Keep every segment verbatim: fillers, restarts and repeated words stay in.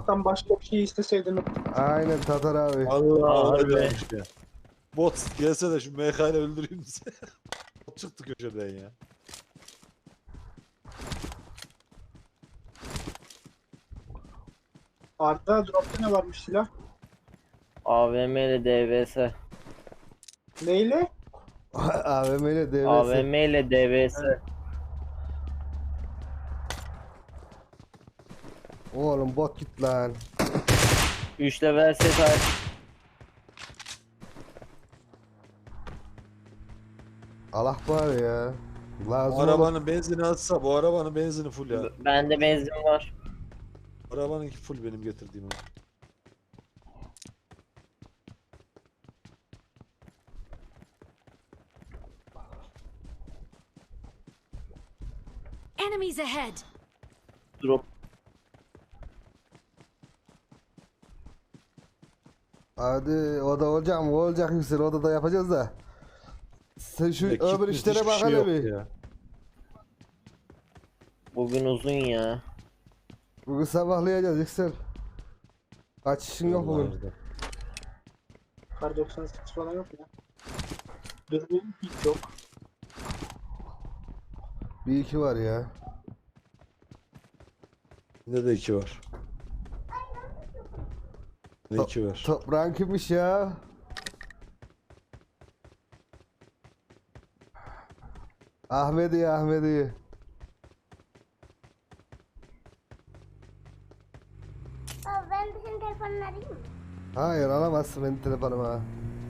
Allah'tan başka bir şey isteseydin. Aynen Tatar abi. Allah Aa, harbi. Allah ya. Bot gelse de şu M K ile öldüreyim size. Bot çıktı köşeden ya. Arda dropta ne varmış silah? A V M ile D V S. Neyle? A V M ile D V A S. V M ile D V S. Oğlum bot git lan. üç level set aç. Allah var ya. Lazım Bu olur. arabanın benzini atsa bu arabanın benzini full ya. Bende benzin var. Arabanınki full benim getirdiğim. o. Enemies ahead! Drop. Hadi o da olacak mı? Olacak Yüksel. O da da yapacağız da. Sen şu Ekip öbür müthiş işlere bir bak şey hele yok bir. ya. Bugün uzun ya. Bugün sabahlayacağız Yüksel. Kaç işin yok bugün. Vallahi. Kar doksan sekiz falan yok ya. Dürbün hiç yok. Bir iki var ya. Ne de iki var. Ne iki var. Toprağın kimmiş ya? Ahmedi Ahmedi. Baba ben de senin telefonunu arayayım mı? Hayır alamazsın benim telefonuma.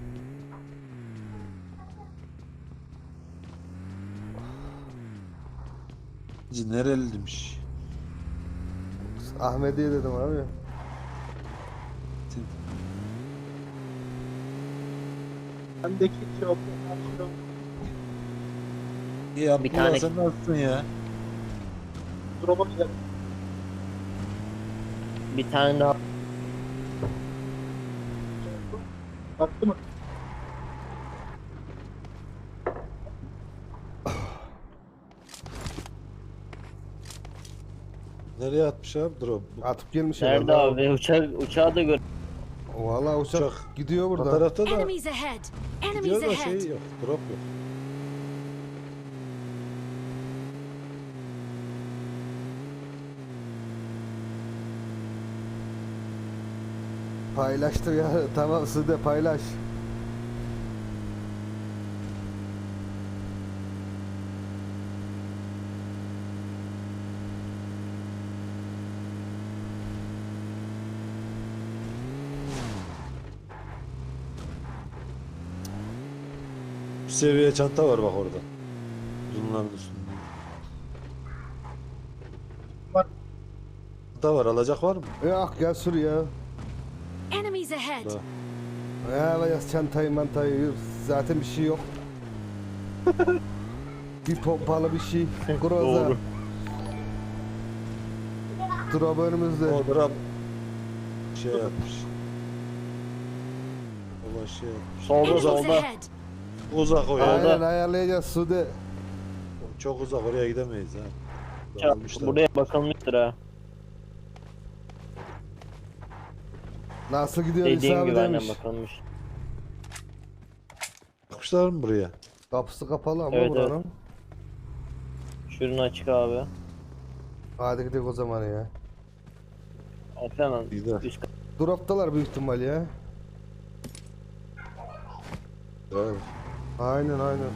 Nereli demiş. Ahmediye dedim abi. Bendeki hiç yok. Hiç yok. İyi Abdullah Bir tane- sen nasılsın ya? Drop'a gidelim. Bir tane daha. Baktı mı? Nereye atmış abi drop? Bu Atıp gelmiş Nerede herhalde. abi? Uçak, uçağı da gör. Valla uçak, Uçak. gidiyor o burada. tarafta da Enemies ahead! gidiyor Enemies da ahead! şey yok. Drop yok. Paylaştır ya. Tamam siz de paylaş. Bir seviye çanta var bak orada. Bunların üstünde. Var. Çanta var alacak var mı? Yok gel sür ya. Enemies ahead! Da. Ya alacağız çantayı mantayı. Zaten bir şey yok. Bir pompalı bir şey. Groza. Doğru. Drop önümüzde. O drop şey yapmış. O şey yapmış. Solda Enemies solda. ahead! Uzak o ya. Aynen ayarlayacağız Sude. Çok uzak oraya gidemeyiz ha. Ya, Dağılmışlar. buraya bakılmıştır ha. Nasıl gidiyor Dediğim hesabı gibi aynen demiş. bakılmış. Bakmışlar mı buraya? Kapısı kapalı ama Evet, buranın. Şunu açık abi. Hadi gidelim o zaman ya. At hemen. Gider. Üst kat- Droptalar büyük ihtimal ya. Evet. Aynen aynen.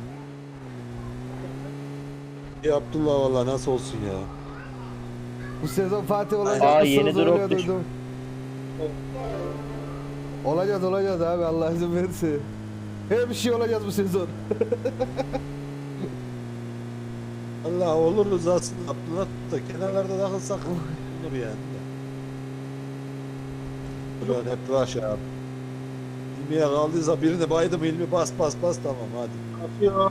İyi Abdullah valla nasıl olsun ya. Bu sezon Fatih olacak Aa, mısınız? yeni drop Öyle düş- duydum. Olacağız olacağız abi Allah izin verirse. Her bir şey olacağız bu sezon. Allah oluruz aslında Abdullah da kenarlarda takılsak olur yani. Ulan hep rush ya. İlmiye kaldıysa birini baydım ilmi bas bas bas tamam hadi. Atıyor.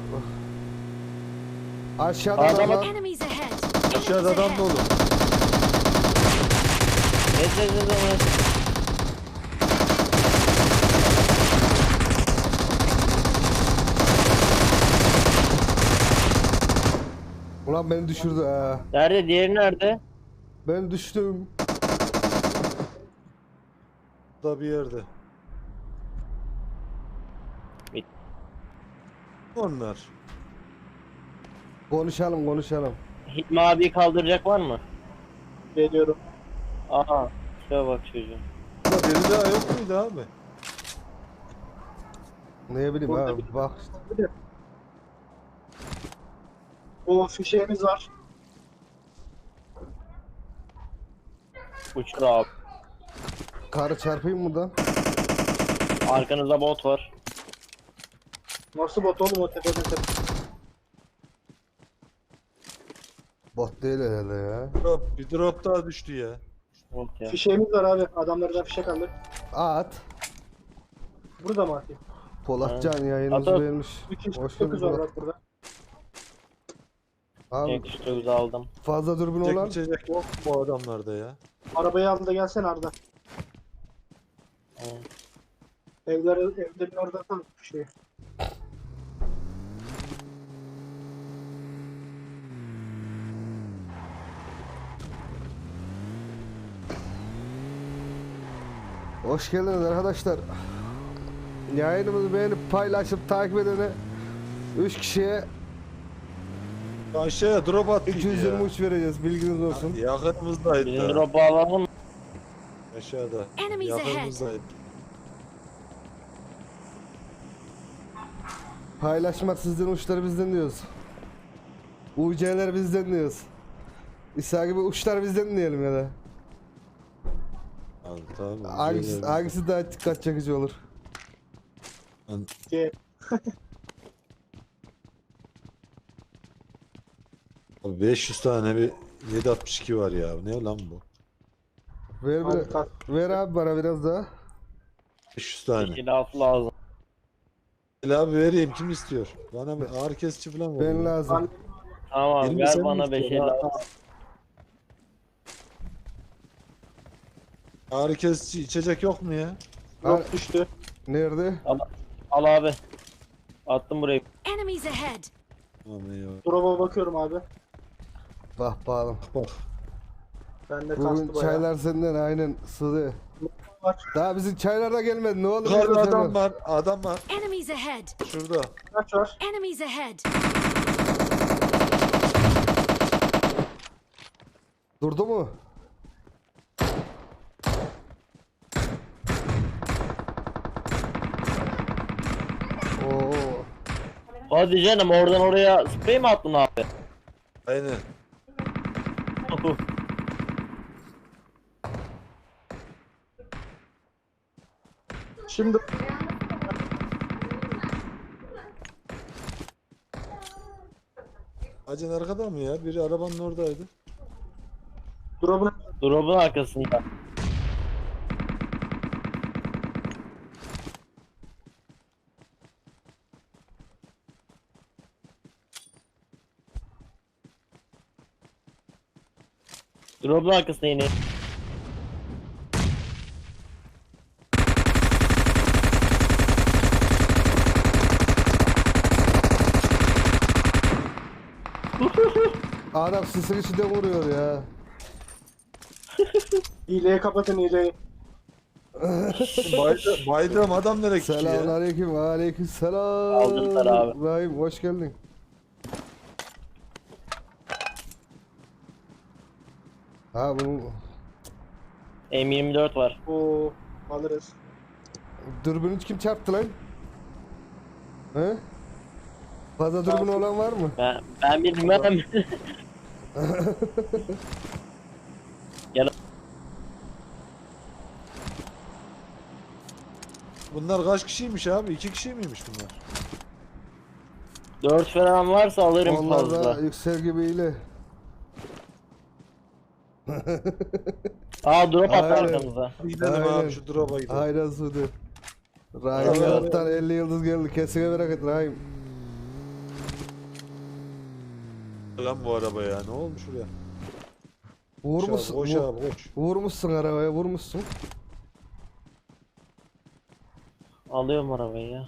Aşağıda Adam- adam var. Enemies ahead! Aşağıda Enemies adam ahead! dolu. Ne dedin ona? Ulan beni düşürdü ha. Nerede? Diğeri nerede? Ben düştüm. Da bir yerde. Bit. Onlar. Konuşalım konuşalım. Hilmi abiyi kaldıracak var mı? Geliyorum. Aha. Şuraya bak çocuğum. Burada biri daha yok muydu abi? Ne bileyim Burada abi bir- bak işte. Bir de bu fişeğimiz var. Uçur abi. Karı çarpayım mı da? Arkanızda bot var. Nasıl bot oğlum o tepede tepe. Bot değil herhalde ya. Drop, bir drop daha düştü ya. Bot ya. Fişeğimiz var abi. Adamlardan fişek aldık. At. Burada mı atayım? Polatcan yayınımızı At, at. beğenmiş. iki Hoş dokuz geldin var Polat. bak burada. Abi Cenk dokuz aldım. fazla dürbün Çek olan içecek yok mu bu adamlarda ya? Arabayı al da gelsene Arda. Tamam. Evler, evlerin orada atalım fişeği. hoş geldiniz arkadaşlar. Yayınımızı beğenip paylaşıp takip edene üç kişiye Aşağıya drop attıydı iki yüz yirmi ya. üç vereceğiz bilginiz olsun. Yakınımızdaydı. Bizim da. drop'u alalım mı? Aşağıda. Enemies ahead. Yakınımızdaydı. Paylaşmak sizden, uçları bizden diyoruz. U C'ler bizden diyoruz. İsa gibi uçlar bizden diyelim ya da. Abi, tamam. Hangisi, Şeyler- hangisi daha dikkat çekici olur? Diye. Abi beş yüz tane bir yedi altmış iki var ya. Ne lan bu? Ver, Al, bir, kalk. ver abi bana biraz daha. beş yüz tane. Silahı lazım. Gel abi vereyim, kim istiyor? Bana bir ağrı kesici falan ver. Ben ya. lazım. Ben Tamam Yirmi ver sen mi bana beş istiyorsun? elli. Ha, Ağrı kesici içecek yok mu ya? yok düştü. Nerede? Al abi. Attım buraya. Enemies ahead. Aman eyvallah. Drop'a bakıyorum abi. Bak bakalım. Bak. Bende Bugün kastı bayağı. çaylar senden aynen Sıdı. Var. Daha bizim çaylar da gelmedi. Ne oldu? Yukarıda bizim adam çaylar? var, adam var. Enemies ahead. Şurada. Kaç var? Enemies ahead. Durdu mu? Oo. Hadi canım oradan oraya sprey mi attın abi? Aynen. Şimdi Acın arkada mı ya? Biri arabanın oradaydı. drop'un Drop'un arkasında. Drop'un arkasında yine. Adam sısın içinde vuruyor ya. hileyi kapatın hileyi. Baydım, baydım adam nereye gitti ya? Selamünaleyküm, aleyküm selam. Aldılar abi. Rahim hoş geldin. Ha bu M yirmi dört var. Oo alırız. dürbünü kim çarptı lan? He? Fazla dürbün olan var mı? Ben, ben bilmem. Bunlar kaç kişiymiş abi? İki kişi miymiş bunlar? dört falan varsa alırım Onlar da fazla. yüksel gibiyle. Aa drop attı Aynen. arkamıza. Gidelim Aynen. abi şu drop'a gidelim. Aynen Suudi. Rahim Aynen. Yarat'tan elli yıldız geldi. Kesine merak et Rahim. Lan bu araba ya, ne olmuş buraya? Vurmuşsun. Koş vur- abi, koş. Vurmuşsun arabaya, vurmuşsun. Alıyorum arabayı ya.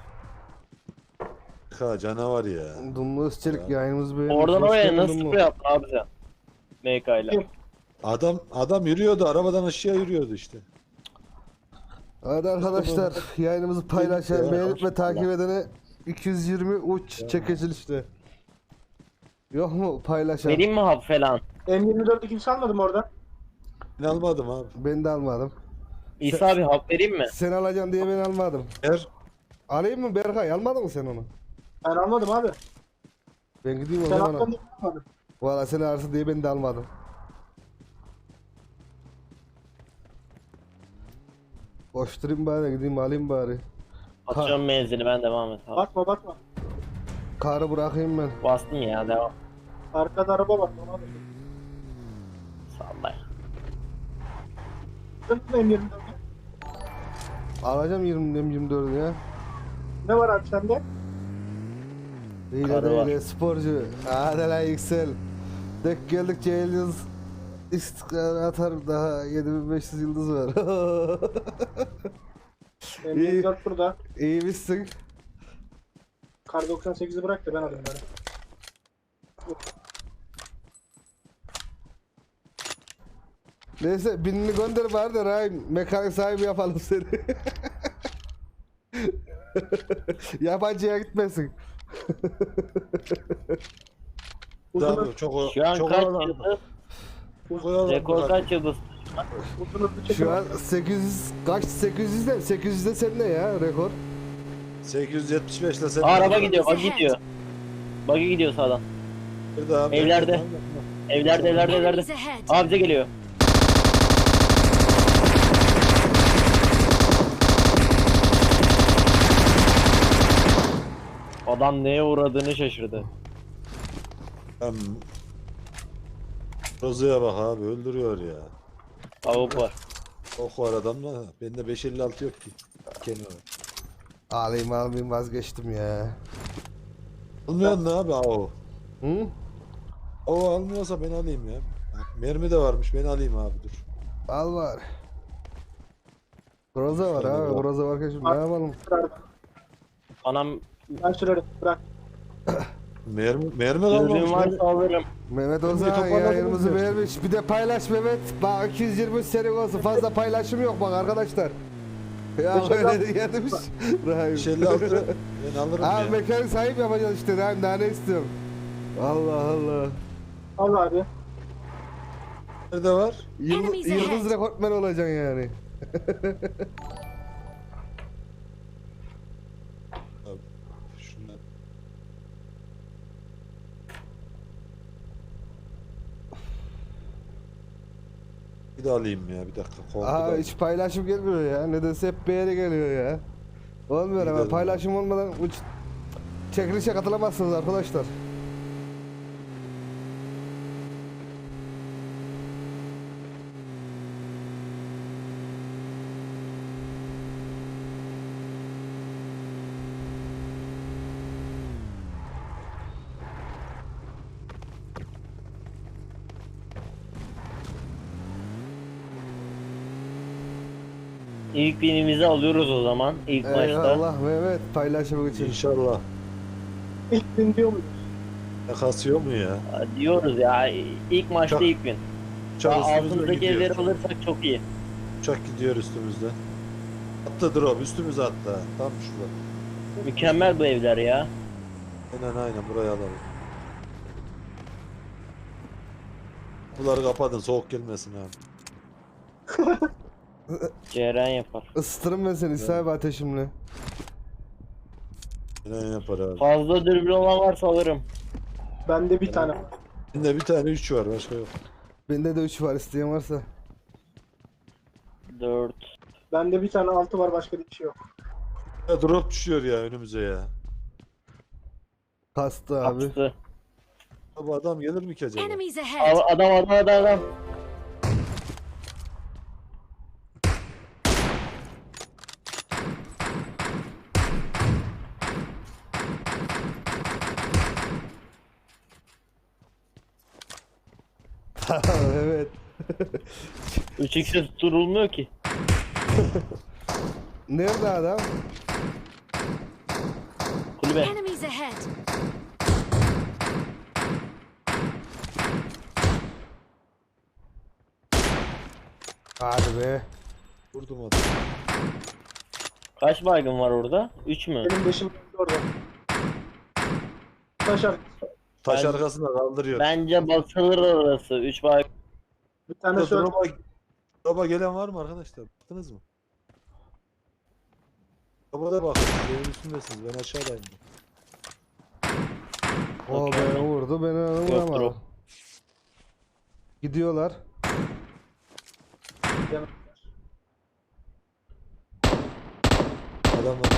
Ha canavar ya. Dumlu Özçelik yayınımız beğenmiş. Oradan Hoş oraya geldin nasıl Dumlu. sprey yaptın abi sen? M K ile. Kim? Adam adam yürüyordu, arabadan aşağı yürüyordu işte. Hadi arkadaşlar yayınımızı paylaşan, beğenip ve takip edene iki yüz yirmi uç çekilişte. Yok mu paylaşan? Vereyim mi hap falan? M yirmi dört'ü kimse almadı mı orada? Ben almadım abi. Ben de almadım. İsa abi hap vereyim mi? Sen alacaksın diye ben almadım. Her Alayım mı Berkay? Almadın mı sen onu? Ben almadım abi. Ben gideyim o Sen zaman. aldın diye almadım. Valla sen alırsın diye ben de almadım. Koşturayım bari, gideyim alayım bari. Atıyorum menzili, ben devam et abi. Bakma bakma. Karı bırakayım ben. Bastım ya, devam. Arkada araba var. Ona da. Sallay. Sıkıntı M yirmi dört'ü. Alacağım yirmi yirmi dördü ya. Ne var abi sende? İyi Karı de var. öyle sporcu. Hadi lan yüksel. Dek geldikçe yıldız istikrar atar, daha yedi bin beş yüz yıldız var. M yirmi dört burada. İyi misin? Kar doksan sekizi bırak da ben alayım bari. Neyse binini gönder bari de Rahim mekanik sahibi yapalım seni. Yabancıya gitmesin. Uzun, abi çok o- Şu an çok kaç oyalandım. yıldız? Çok oyalandım Rekor abi. kaç yıldız? uzun hızlı çekim. Şu an sekiz yüz kaç, sekiz yüz de sekiz yüz de sende ya rekor. sekiz yüz yetmiş beş ile sen. Aa, araba gidiyor, bak gidiyor. Buggy gidiyor sağdan. Bir daha abi. Evlerde. Evlerde, evlerde, evlerde. Enemies ahead. Aa, bize geliyor. Adam neye uğradığını şaşırdı. Hem... Rozu'ya bak abi, öldürüyor ya. Avuk var. Ok var adamla. Bende beş elli altı yok ki. Kenara. Alayım almayayım vazgeçtim ya. Almıyor ne abi o? Hı? O almıyorsa ben alayım ya. Mermi de varmış, ben alayım abi dur. Al var. Groza var Şöyle abi. bak. Groza varken şimdi ne yapalım? Anam Ben sürerim. Bırak. Mermi, mermi dürbün kalmamış. mermi- varsa alırım. Mehmet Bir Ozan toparladınız yayınımızı ya. beğenmiş. Bir de paylaş Mehmet. Bak iki yüz yirmi seri olsun. Fazla paylaşım yok bak arkadaşlar. Ya Beş elli böyle gelmiş. Rahim. beş elli altı ben alırım Abi ya. mekanik sahip yapacağız işte Rahim, daha ne istiyorum? Allah Allah. Al abi. Nerede var? Yıldız, Enemies yıldız ahead. rekortmen olacaksın yani. Abi, şundan. Bir de alayım ya, bir dakika. Aa Korkudan. hiç paylaşım gelmiyor ya. Nedense hep beğeni geliyor ya. Olmuyor ama Gidelim paylaşım olmadan uç çekilişe katılamazsınız arkadaşlar. İlk binimizi alıyoruz o zaman. İlk maçta. Eyvallah Mehmet paylaşım için. İnşallah. İlk gün diyor muyuz? Ne kasıyor mu ya? Aa, diyoruz ya. İlk maçta Çok- ilk bin. Uçak Daha üstümüzde altındaki gidiyor. evleri alırsak çok iyi. Uçak gidiyor üstümüzde. Attı drop üstümüze attı. Tam şurada. Mükemmel bu evler ya. Aynen aynen buraya alalım. Bunları kapatın, soğuk gelmesin abi. Ceren yapar. Isıtırım ben seni İsa abi ateşimle. Aynen yapar abi. Fazla dürbün olan varsa alırım. Bende bir tane var. Bende bir tane üç var, başka yok. Bende de üç var, isteyen varsa. dört. Bende bir tane altı var, başka bir şey yok. Ya drop düşüyor ya önümüze ya. Kastı abi. Kapısı. Bu adam gelir mi ki acaba? Enemies ahead. Al- Adam adam adam adam. Evet. üç x'e tutulmuyor ki. Nerede adam? Kulübe. Enemies ahead. Hadi be. Vurdum adamı. Kaç baygın var orada? üç mü? Benim beşim orada. Taş arkası. Taş Ben- arkasına kaldırıyor. Bence basılır orası. üç baygın. Bir tane Burada söyle. drop'a, drop'a gelen var mı arkadaşlar? Baktınız mı? Drop'a da bakın. Evin üstündesiniz. Ben aşağıdayım. O Okey. beni vurdu, beni onu Yok, vuramadı. drop. Gidiyorlar. Adam var.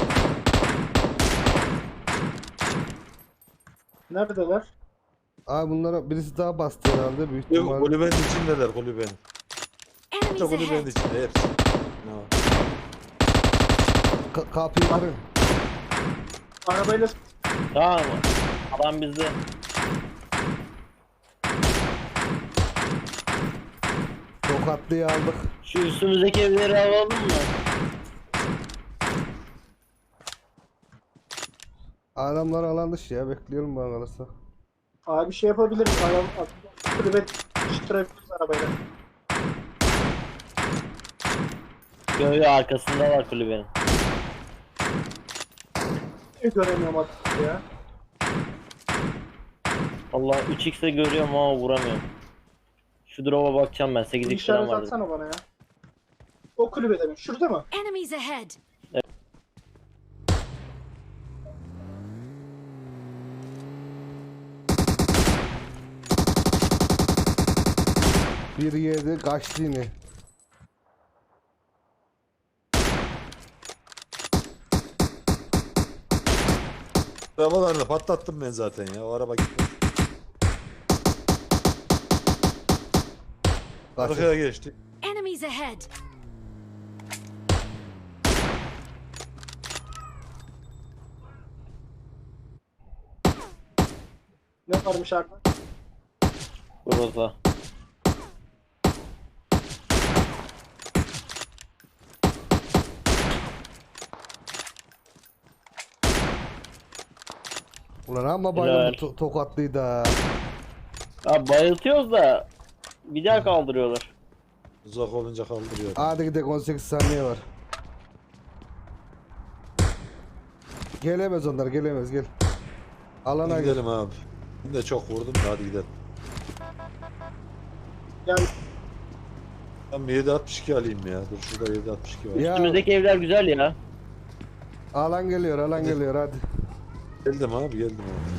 Neredeler? Abi bunlara birisi daha bastı herhalde büyük Yok, ihtimalle. kulübenin içindeler kulübenin. Enemies İşte kulübenin ahead. içinde hepsi. No. Ka- kapıyı kırın. Arabayla Tamam mı? Adam bizde. Tokatlıyı aldık. Şu üstümüzdeki evleri alalım mı? Adamlar alan dışı ya, bekliyorum bana kalırsa. abi şey yapabiliriz. Araba kulübe çıtırabiliriz arabayla. Göğü arkasında var kulübenin. Hiç göremiyorum artık ya. Allah üç x'e görüyorum ama vuramıyorum. Şu drop'a bakacağım ben. sekiz Bir x falan işaret vardı. atsana bana ya. O kulübede mi? Şurada mı? Enemies ahead. Bir yedi kaçtı yine. Arabalarını patlattım ben zaten ya. O araba gitti. Kaçtı. Arkaya geçti. Enemies ahead. Ne varmış arada? Groza. Ulan ama Helal. bayıldı to- tokatlıydı ha. Ya bayıltıyoruz da bir daha kaldırıyorlar. Uzak olunca kaldırıyor. Hadi gidelim, on sekiz saniye var. Gelemez onlar, gelemez, gel. Alana Hadi gel. gidelim abi. Ben de çok vurdum da hadi gidelim. Gel. Ben bir yedi altmış iki alayım ya. Dur şurada yedi altmış iki var. Ya Üstümüzdeki evler güzel ya. alan geliyor, alan Hadi. geliyor, hadi. Geldim abi geldim abi.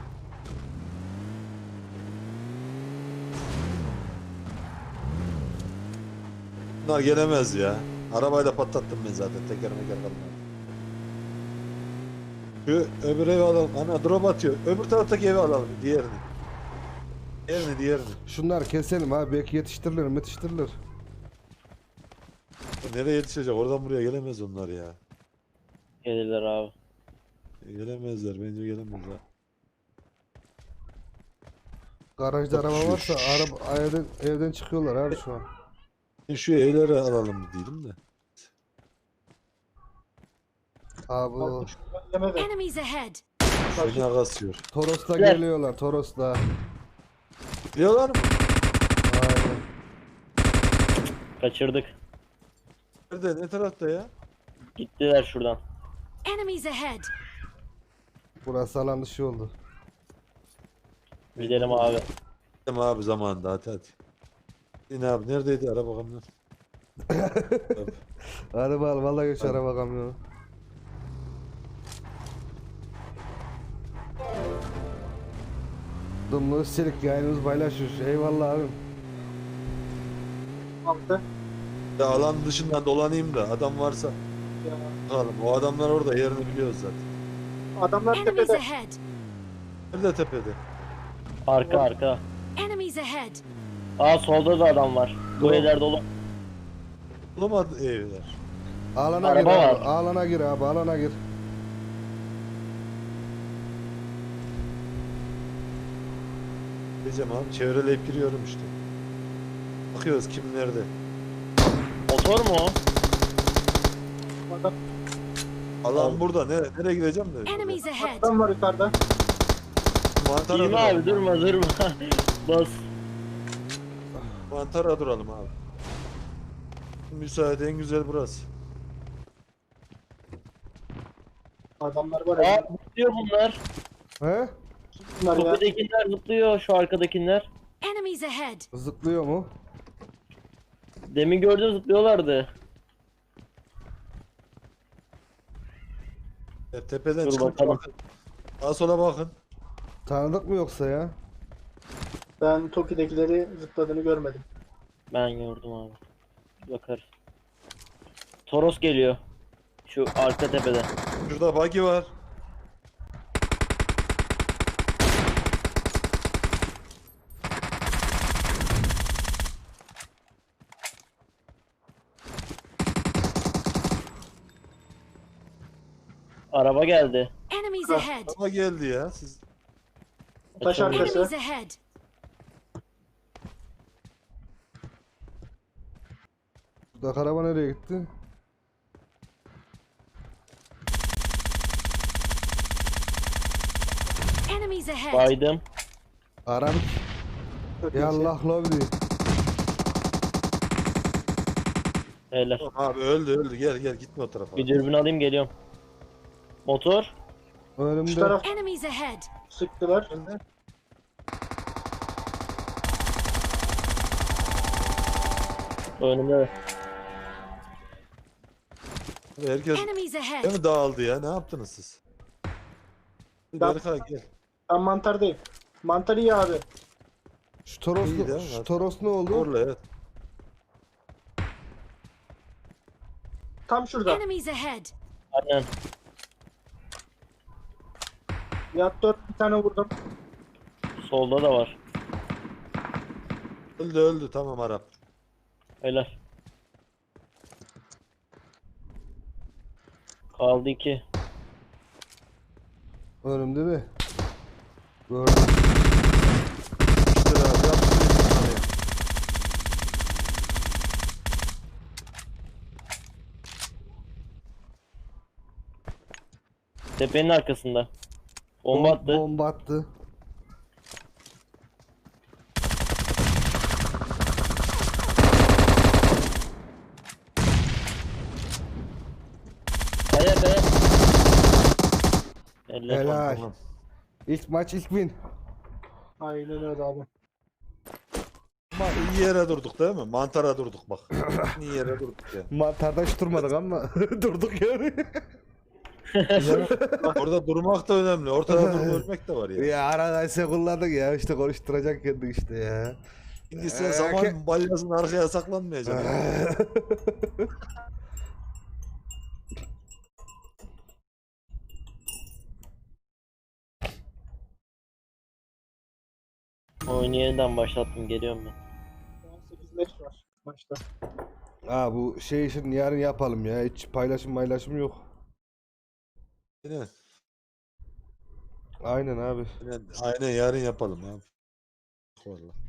Bunlar gelemez ya. Arabayla patlattım ben zaten. Teker meker kalmadı. Şu öbür evi alalım. Ana drop atıyor. Öbür taraftaki evi alalım. Diğerini. Diğerini diğerini. Şunlar keselim abi, belki yetiştirilir yetiştirilir. Nereye yetişecek? Oradan buraya gelemez onlar ya. Gelirler abi. Gelemezler. Bence gelemezler. Garajda Bak araba şu- varsa araba evden, evden çıkıyorlar abi şu an. Ben şu evleri alalım diyelim de. Abi o Yemedi. Enemies ahead. Fena kasıyor. Toros'ta Gel. geliyorlar, Toros'ta. Biliyorlar mı? Aynen. Kaçırdık. Nerede? Ne tarafta ya? Gittiler şuradan. Enemies ahead. Burası alan dışı oldu. Gidelim abi. Gidelim abi zamanında hadi hadi. Yine abi neredeydi araba kamyon? Abi, Araba al, vallahi geç Hadi. araba kamyonu. Dumlu Silik yayınımız paylaşıyor. Eyvallah abim. Altı. ya alan dışından dolanayım da adam varsa Ya. bakalım. O adamlar orada yerini biliyoruz zaten. Adamlar Enemies tepede. ahead. Nerede tepede? Arka arka. Enemies ahead. Aa solda da adam var. Bu Doğru. evler dolu. Bulamadı evler. Alana Araba gir abi. var. Alana gir abi, alana gir. Diyeceğim abi çevreleyip giriyorum işte. Bakıyoruz kim nerede. Motor mu o? Adam, Alan Abi. burada. Nere, nereye gideceğim de? Enemies ahead. adam var yukarıda. Mantara Girme duralım. abi durma durma. Bas. Mantara duralım abi. Müsaade en güzel burası. Adamlar var Aa ya. zıplıyor bunlar. He? Bunlar ya. Tepedekiler zıplıyor, şu arkadakiler. Enemies ahead. Zıplıyor mu? Demin gördüm zıplıyorlardı. Ya, tepeden Dur çıkıp bakalım. bakın. Sağa sola bakın. Tanıdık mı yoksa ya? Ben Toki'dekileri zıpladığını görmedim. Ben gördüm abi. Bakarız. Toros geliyor. Şu arka tepede. Şurada buggy var. Araba geldi. Enemies Ah. ahead. Ama geldi ya. Siz Taş Açılmıyor. arkası. Enemies ahead. Buradaki araba nereye gitti? Enemies ahead. Baydım. Araba. Çok iyi. Yallah lobby. Helal. Tamam abi öldü öldü. Gel gel gitme o tarafa. Bir dürbün alayım geliyorum. Motor. Şu Önümde. taraf Enemies ahead. sıktılar. Öldü. Önümde. Herkes Enemies ahead. değil mi dağıldı ya? Ne yaptınız siz? Ben- Berkay gel. Ben mantardayım. Mantar iyi abi. Şu Toros, İyi de, şu hadi. Toros ne oldu? Orla evet. Tam şurada. Enemies ahead. Aynen. Yat dört bir tane vurdum. Solda da var. Öldü öldü tamam Arap. Helal. Kaldı iki. Önümde mi? Gördüm. İşte abi yaptı. Tepenin arkasında. Bomba Bom- attı. Bomba attı. Kaya kaya. Helal. Helal. Tamam. İlk maç ilk win. Aynen öyle abi. Ama iyi yere durduk değil mi? Mantara durduk bak. İyi yere durduk ya. Mantarda hiç durmadık ama durduk yani. Orada durmak da önemli. Ortada durup ölmek de var ya. Ya aradaysa kullandık ya işte konuşturacak kendini işte ya. Şimdi sen Ee, zaman ke- balyasının arkaya saklanmayacaksın. Oyunu yeniden başlattım. Geliyorum ben. on sekiz leş var maçta. Aa bu şey için yarın yapalım ya. Hiç paylaşım paylaşım yok. Aynen. Aynen abi. Aynen, aynen yarın yapalım abi. Vallahi.